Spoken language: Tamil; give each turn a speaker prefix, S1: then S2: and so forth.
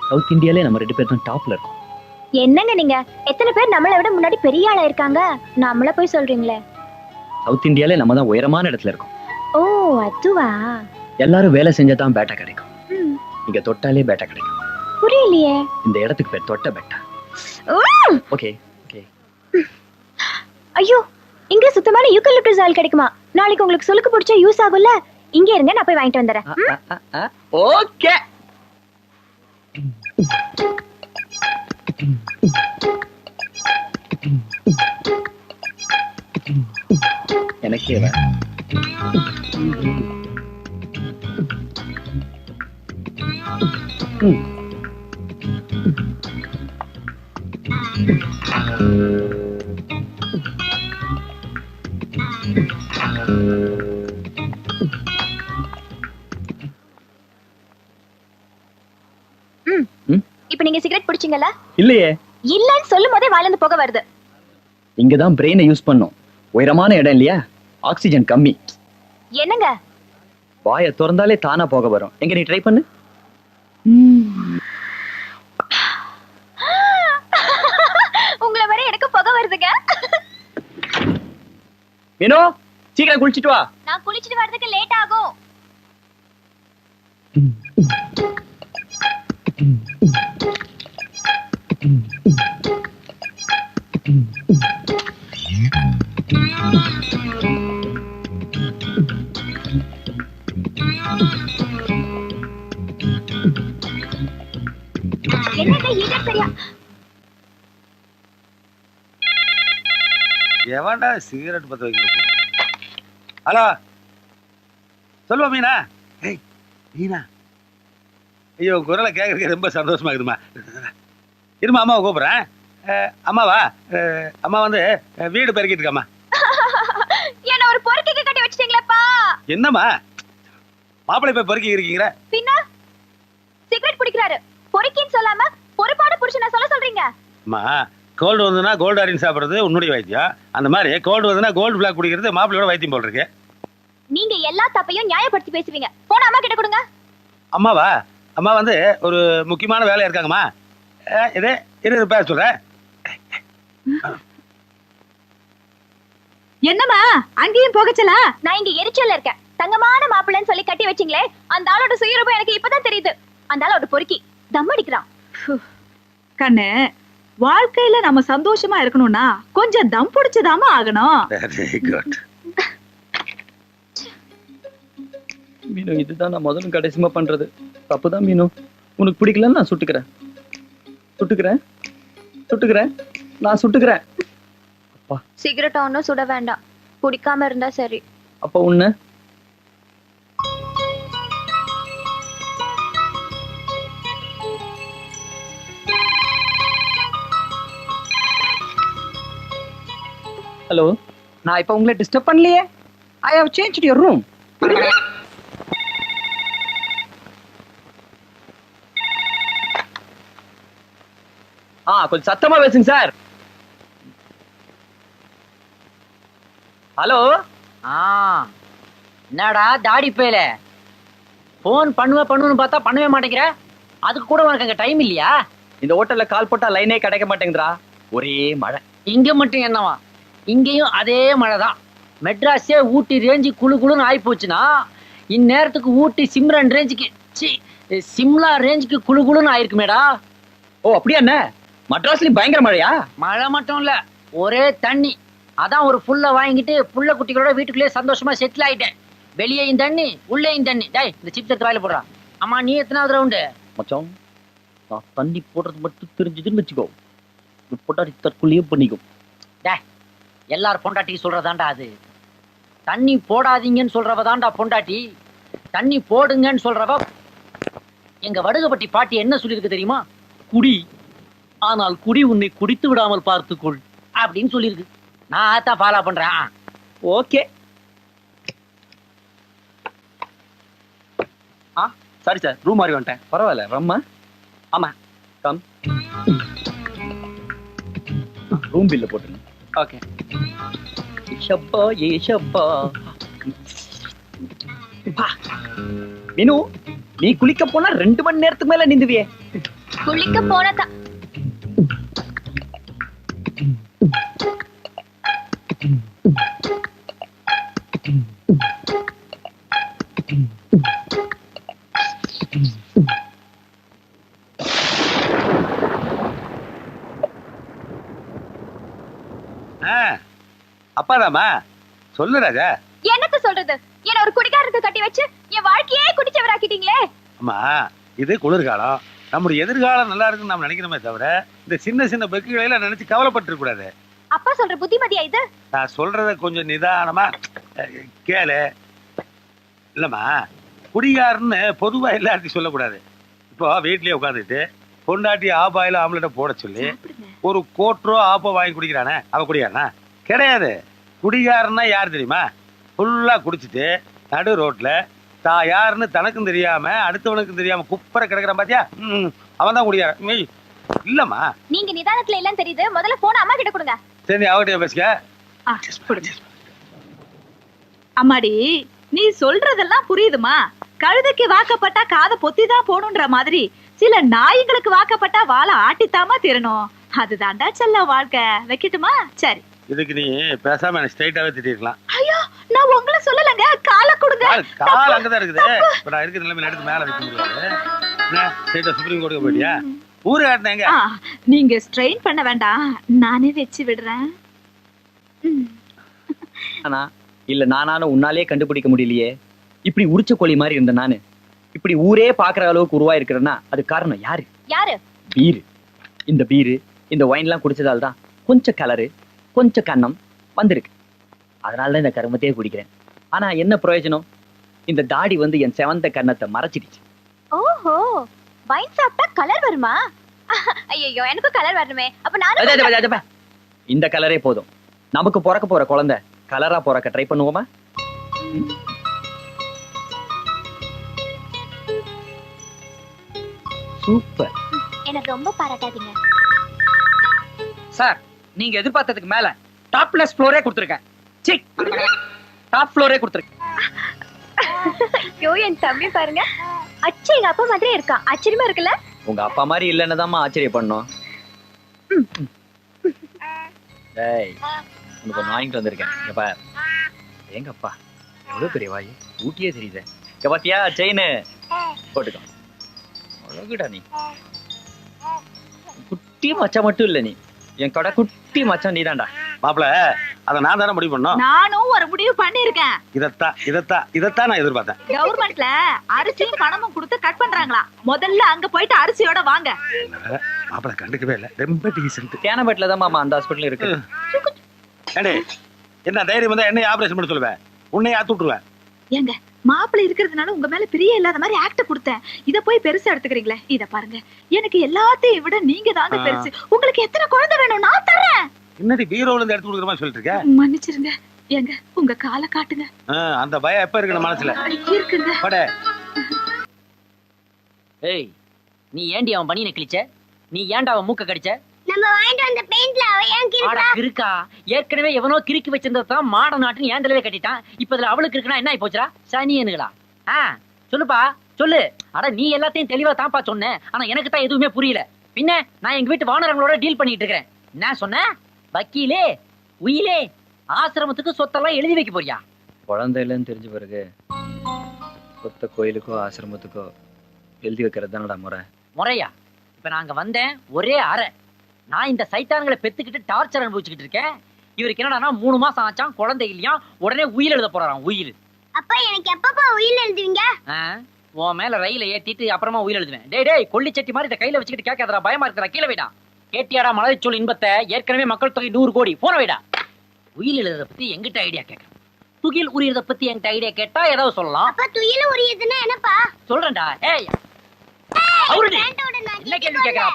S1: சவுத் இந்தியாலே நம்ம 2 பேர் தான் டாப்ல இருக்கோம்.
S2: என்னங்க நீங்க? எத்தனை பேர் நம்மளை விட முன்னாடி பெரிய ஆளா இருக்காங்க, நம்மள போய் சொல்றீங்களே?
S1: சவுத் இந்தியாலே நம்ம தான் உயரமான இடத்துல இருக்கோம்.
S2: ஓ அதுவா?
S1: எல்லாரும் வேலை செஞ்சாதான் பேட்டா கிடைக்கும். இங்க தொட்டாலே பேட்டா கிடைக்கும்.
S2: புரியலையே.
S1: இந்த இடத்துக்கு பேர் தொட்ட பேட்டா. Okay okay.
S2: ஐயோ, இங்க சுத்தமான யூக்கலிப்டஸ் ஆயில் கிடைக்குமா? நாளைக்கு உங்களுக்கு சொல்லுக்கு பிடிச்சா யூஸ் ஆகும்ல. இங்க இருங்க, நான் போய் வாங்கிட்டு வந்துறேன்.
S1: ஓகே. எனக்கே வா.
S2: இப்ப நீங்க சிகரெட் பிடிச்சீங்கல்ல?
S1: இல்லையே.
S2: இல்லன்னு சொல்லும் போதே வாயில இருந்து புகை வருது.
S1: இங்கதான் பிரெயினை யூஸ் பண்ணோம். உயரமான இடம் இல்லையா, ஆக்சிஜன் கம்மி.
S2: என்னங்க?
S1: வாயை திறந்தாலே தானா போக வரும். எங்க நீ ட்ரை பண்ணு.
S2: உங்களை வரை எனக்கு புகை வருதுங்க.
S1: மீனோ, சீக்கிரம் குளிச்சிட்டு வா.
S2: நான் குளிச்சிட்டு வரதுக்கு லேட் ஆகும். என்னங்க ஹீட்டர் சரியா?
S3: எவன்டா சிகரெட் பத்த வைக்க? ஹலோ, சொல்லுவா மீனா. ஏய் மீனா, ஐயோ குரலை கேட்கறதுக்கு ரொம்ப சந்தோஷமா இருக்குதுமா. இருமா, அம்மாவை கூப்பிட்றேன். அம்மாவா? அம்மா வந்து வீடு பெருக்கிட்டு இருக்காம்மா.
S2: என்ன ஒரு பொறுக்கிக்கு கட்டி வச்சிட்டீங்களேப்பா?
S3: என்னம்மா மாப்பிள்ளை போய் பொறுக்கி இருக்கீங்க?
S2: பின்ன சிகரெட் பிடிக்கிறாரு, பொறுக்கின்னு சொல்லாம பொறுப்பாடு புருஷனை சொல்ல சொல்றீங்க?
S3: அம்மா, கோல்டு வந்ததுன்னா கோல்டு ஆரின் சாப்பிட்றது உன்னுடைய வைத்தியம். அந்த மாதிரி கோல்டு வந்ததுன்னா கோல்டு பிளாக் குடிக்கிறது மாப்பிள்ளையோட வைத்தியம் போல் இருக்கு.
S2: நீங்க எல்லா தப்பையும் நியாயப்படுத்தி பேசுவீங்க. போன அம்மா கிட்ட கொடுங்க.
S3: அம்மாவா? அம்மா வந்து ஒரு முக்கியமான வேலையா இருக்காங்கம்மா. இதே இரு பேர் சொல்றேன்.
S4: என்னம்மா அங்கேயும் போகச்சலா?
S2: நான் இங்க எரிச்சல்ல இருக்கேன். தங்கமான மாப்பிள்ளைன்னு சொல்லி கட்டி வச்சிங்களே, அந்த ஆளோட சுயரூபம் எனக்கு இப்பதான் தெரியுது. அந்த ஆளோட பொறுக்கி தம் அடிக்கிறான்.
S4: கண்ணு, வாழ்க்கையில நம்ம சந்தோஷமா இருக்கணும்னா கொஞ்சம் தம் பிடிச்சதாம ஆகணும்.
S3: Very good.
S1: மீனு, இதுதான் நான் முதலும் கடைசிமா பண்றது தப்புதான் மீனு. உனக்கு பிடிக்கலன்னு நான் சுட்டுக்கிறேன். நான் சுட்டுக்கிறேன். அப்பா,
S2: சிகரெட் ஒன்னும் சுட வேண்டாம், குடிக்காம இருந்தா சரி.
S1: அப்ப உன்ன ஹலோ,
S5: நான் இப்ப உங்களை டிஸ்டர்ப் பண்ணலையே. I have changed your room.
S1: கொஞ்சம் சத்தமா பேசுங்க சார். ஹலோ.
S6: என்னடா தாடி பேல போன் பண்ணுவேன்னு பார்த்தா பண்ணவே மாட்டேங்கிற. அதுக்கு கூட உனக்கு அங்க டைம் இல்லையா?
S1: இந்த ஹோட்டல்ல கால் போட்டா லைனே கிடைக்க மாட்டேங்குதுடா. ஒரே மழை.
S6: இங்க மட்டும் என்னவா? இங்கேயும் அதே மழை தான். மெட்ராஸே ஊட்டி ரேஞ்சு குழு குழுன்னு ஆகி போச்சுன்னா, இந்நேரத்துக்கு ஊட்டி சிம்ரன் ரேஞ்சுக்கு சிம்லா ரேஞ்சுக்கு குழு குழுன்னு ஆயிருக்குமேடா.
S1: ஓ அப்படியா? என்ன மெட்ராஸ்லயும் பயங்கர மழையா?
S6: மழை மட்டும் இல்ல, ஒரே தண்ணி. அதான் ஒரு புல்ல வாங்கிட்டு புள்ள குட்டிகளோட வீட்டுக்குள்ளேயே சந்தோஷமா செட்டில் ஆயிட்டேன். வெளியேயும் தண்ணி, உள்ளேயும் தண்ணி. டேய், இந்த சிப்ஸ் எடுத்து வாயில போடுறான். அம்மா, நீ எத்தனாவது ரவுண்டு?
S1: மச்சான், நான் தண்ணி போடுறது மட்டும் தெரிஞ்சதுன்னு வச்சுக்கோ, பொண்டாட்டி தற்கொலையே பண்ணிக்கும்.
S6: டேய், எல்லாரும் பொண்டாட்டிக்கு சொல்றதாண்டா அது. தண்ணி போடாதீங்கன்னு சொல்றவ தாண்டா பொண்டாட்டி. தண்ணி போடுங்கன்னு சொல்றவ. எங்க வடுகப்பட்டி பாட்டி என்ன சொல்லியிருக்கு தெரியுமா? குடி, ஆனால் குடி உன்னை குடித்து விடாமல் பார்த்துக்கொள் அப்படின்னு சொல்லியிருக்கு. நான் அதான் ஃபாலோ பண்றேன்.
S1: ஓகே.
S5: சாரி சார், ரூம் மாறி வந்துட்டேன்.
S1: பரவாயில்ல, ரம்மா.
S5: ஆமா,
S1: கம். ரூம் பில்ல போட்டுருங்க.
S5: ஓகே.
S1: ஷப்பா ஏ ஷப்பா. மீனு, நீ குளிக்க போனா 2 மணி நேரத்துக்கு மேல நிந்துவியே.
S2: குளிக்க போனதான்.
S3: அப்பாதாமா சொல்லு ராஜா.
S2: என்னத்த சொல்றது? என்ன ஒரு குடிகாரருக்கு கட்டி வச்சு என் வாழ்க்கையே குடிச்சவராக்கிட்டீங்களே.
S3: அம்மா இது குளிர்காலம், நம்முடைய எதிர்காலம் நல்லா இருக்குன்னு நம்ம நினைக்கிறோமே தவிர இந்த சின்ன சின்ன பெக்குகளை எல்லாம் நினைச்சு கவலைப்பட்டு கூடாது.
S2: அப்பா சொல்ற புத்திமதியா இது?
S3: நான் சொல்றத கொஞ்சம் நிதானமா கேளு. இல்லம்மா, குடிகாரன்னு பொதுவா எல்லாத்தையும் சொல்லக்கூடாது. இப்போ வீட்லயே உட்காந்துட்டு பொண்டாட்டி ஆப்பாயில ஆம்லெட்டை போட சொல்லி ஒரு கோட்ரோ ஆப்போ வாங்கி குடிக்கிறானே அவ குடிகாரனா? கிடையாது. குடிகாரன்னா யார் தெரியுமா? ஃபுல்லா குடிச்சிட்டு நடு ரோட்ல தான் யாருன்னு தனக்கும் தெரியாம அடுத்தவனுக்கும் தெரியாம குப்பரை கிடக்குறான் பாத்தியா, அவன் தான் குடிகாரன். இல்லம்மா,
S2: நீங்க நிதானத்துல எல்லாம் தெரியுது. முதல்ல போன அம்மா கிட்ட கொடுங்க.
S3: சரி அவகிட்ட பேசுக.
S4: அம்மாடி, நீ சொல்றதெல்லாம் புரியுதுமா. கழுதைக்கு வாக்கப்பட்டா காதை பொத்திதான் போகணுன்ற மாதிரி சில நாய்களுக்கு வாக்கப்பட்டா வாழை ஆட்டித்தாமா திரணும். அதுதான்டா செல்ல வாழ்க்கை. வைக்கட்டுமா? சரி.
S3: இதுக்கு நீ பேசாம எனக்கு ஸ்ட்ரைட்டாவே திட்டிருக்கலாம்.
S4: ஐயோ, நான் உங்களை சொல்லலங்க. காலை கொடுங்க.
S3: கால் அங்கதான் இருக்குது. இப்ப நான் இருக்கிற நிலைமையில எடுத்து மேல வைக்க முடியாது. ஸ்ட்ரைட்டா சுப்ரீம் கோர்ட்டுக்கு போயிட்டியா? ஊரு காட்டினேங்க.
S4: நீங்க ஸ்ட்ரெயின் பண்ண வேண்டாம், நானே வச்சு விடுறேன்.
S1: ஆனா இல்ல நானாலும் உன்னாலே கண்டுபிடிக்க முடியலையே. இப்படி உரிச்ச கோழி மாதிரி இருந்த நானு இப்படி ஊரே பாக்குற அளவுக்கு உருவா இருக்கிறேன்னா அது காரணம் யாரு?
S2: யாரு?
S1: பீரு. இந்த பீரு இந்த ஒயின் எல்லாம் குடிச்சதால தான் கொஞ்சம் கலரு கொஞ்சம் கண்ணம் வந்திருக்கு. அதனாலதான் இந்த கருமத்தையே குடிக்கிறேன். ஆனா என்ன பிரயோஜனம்? இந்த தாடி வந்து என் செவந்த கண்ணத்தை மறைச்சிடுச்சு.
S2: ஓஹோ, வைன் சாப்பிட்டா கலர் வருமா? ஐயோ, எனக்கு கலர் வரணுமே. அப்ப நானும்
S1: இந்த கலரே போதும். நமக்கு பிறக்க போற குழந்தை கலரா பிறக்க ட்ரை பண்ணுவோமா? சூப்பர்.
S2: எனக்கு ரொம்ப பாராட்டாதீங்க
S5: சார். நீங்க எதிர்பார்த்ததுக்கு மேல டாப்லெஸ் ஃப்ளோரே கொடுத்துருக்கேன். டாப் ஃப்ளோரே கொடுத்துருக்கேன்.
S2: ஐயோ, என் தம்பி பாருங்க, அச்சு எங்க அப்பா மாதிரியே இருக்கான். ஆச்சரியமா இருக்குல்ல?
S1: உங்க அப்பா மாதிரி இல்லன்னு தான் ஆச்சரிய பண்ணோம். டேய், உனக்கு ஒன்று வாங்கிட்டு வந்திருக்கேன். இங்க பார். எங்க அப்பா எவ்வளவு பெரிய வாய், ஊட்டியே தெரியுது. இங்க பாத்தியா செயின்? போட்டுக்கோ. அழகுடா நீ. குட்டி மச்சான் மட்டும் இல்ல, நீ என் கடை குட்டி மச்சான் நீதான்டா.
S3: மாப்பிள, அத நான் தானே முடிவு பண்ணோம்.
S4: நானும் ஒரு முடிவு பண்ணிருக்கேன்.
S3: இதத்தான் நான் எதிர்பார்த்தேன்.
S4: கவர்மெண்ட்ல அரிசியும் பணமும் கொடுத்து கட் பண்றாங்களா? முதல்ல அங்க போயிட்டு அரிசியோட வாங்க.
S3: மாப்பிள கண்டுக்கவே இல்ல. ரொம்ப டீசன்ட்.
S1: தேனபேட்ல தான் மாமா அந்த ஹாஸ்பிடல் இருக்கு.
S3: என்ன தைரியம் வந்தா என்னை ஆபரேஷன் பண்ண சொல்லுவேன், உன்னை ஆத்து விட்டுருவேன்.
S4: ஏங்க, மாப்பிள்ளை இருக்கிறதுனால உங்க மேல பிரிய இல்லாத மாதிரி ஆக்ட கொடுத்தேன். இத போய் பெருசா எடுத்துக்கிறீங்களே. இத பாருங்க, எனக்கு எல்லாத்தையும் விட நீங்க தாங்க பெருசு. உங்களுக்கு எத்தனை குழந்தை வேணும் நான் தரேன்.
S3: என்னடி பீரோல இருந்து எடுத்து கொடுக்குற மாதிரி சொல்லிட்டு இருக்க?
S4: மன்னிச்சிருங்க. ஏங்க, உங்க காலை காட்டுங்க.
S3: அந்த பயம் எப்ப இருக்கு மனசுல?
S4: இருக்குங்க.
S6: ஏய், நீ ஏண்டி அவன் பனியனை கிழிச்ச? நீ ஏன்டா அவன் மூக்க கடிச்ச?
S2: நம்ம வாங்கிட்டு வந்த பெயிண்ட்ல அவ ஏன்
S6: ஆடா கிறுக்கா, ஏற்கனவே எவனோ கிறுக்கி வச்சிருந்ததான் மாட நாட்டுன்னு ஏண்டலவே கட்டிட்டான். இப்ப இதுல அவளுக்கு இருக்குன்னா என்ன ஆயி போச்சுடா? சனியனுங்களா? சொல்லுப்பா சொல்லு. அட நீ எல்லாத்தையும் தெளிவா தான்ப்பா சொன்ன. ஆனா எனக்கு தான் எதுவுமே புரியல. பின்ன நான் எங்க வீட்டு வானரங்களோட டீல் பண்ணிட்டு இருக்கிறேன். என்ன சொன்ன? வக்கீலே உயிலே ஆசிரமத்துக்கு சொத்தெல்லாம் எழுதி வைக்க போறியா?
S1: குழந்தை இல்லைன்னு தெரிஞ்ச பிறகு சொத்த கோயிலுக்கோ ஆசிரமத்துக்கோ எழுதி வைக்கிறது தானடா முறை.
S6: முறையா? இப்ப நாங்க வந்தேன் ஒரே அறை. நான் இந்த சைத்தான்களை பெத்துக்கிட்டு டார்ச்சர் அனுபவிச்சுக்கிட்டு இருக்கேன். இவருக்கு என்னடா 3 மாசம் ஆச்சான், குழந்தை இல்லையா, உடனே உயிர் எழுத போறாராம். உயிர்.
S2: அப்பா எனக்கு எப்பப்பா உயிர் எழுதுவீங்க?
S6: உன் மேல ரயில ஏத்திட்டு அப்புறமா உயிர் எழுதுவேன். டேய் கொல்லி சட்டி மாதிரி இதை கையில வச்சுக்கிட்டு கேட்காதடா, பயமா இருக்கிறா. கீழே வைடா. கேட்டியாடா மலர்ச்சொல் இன்பத்தை? ஏற்கனவே மக்கள் தொகை 100 கோடி. போன வைடா. உயிர் எழுதுறத பத்தி எங்கிட்ட ஐடியா கேட்கறேன். துகில் உரியறத பத்தி என்கிட்ட ஐடியா கேட்டா ஏதாவது சொல்லலாம்.
S2: அப்ப துகில் உரியதுன்னா என்னப்பா?
S6: சொல்றேன்டா. ஏய் அவருடைய என்ன கேள்வி கேட்கறா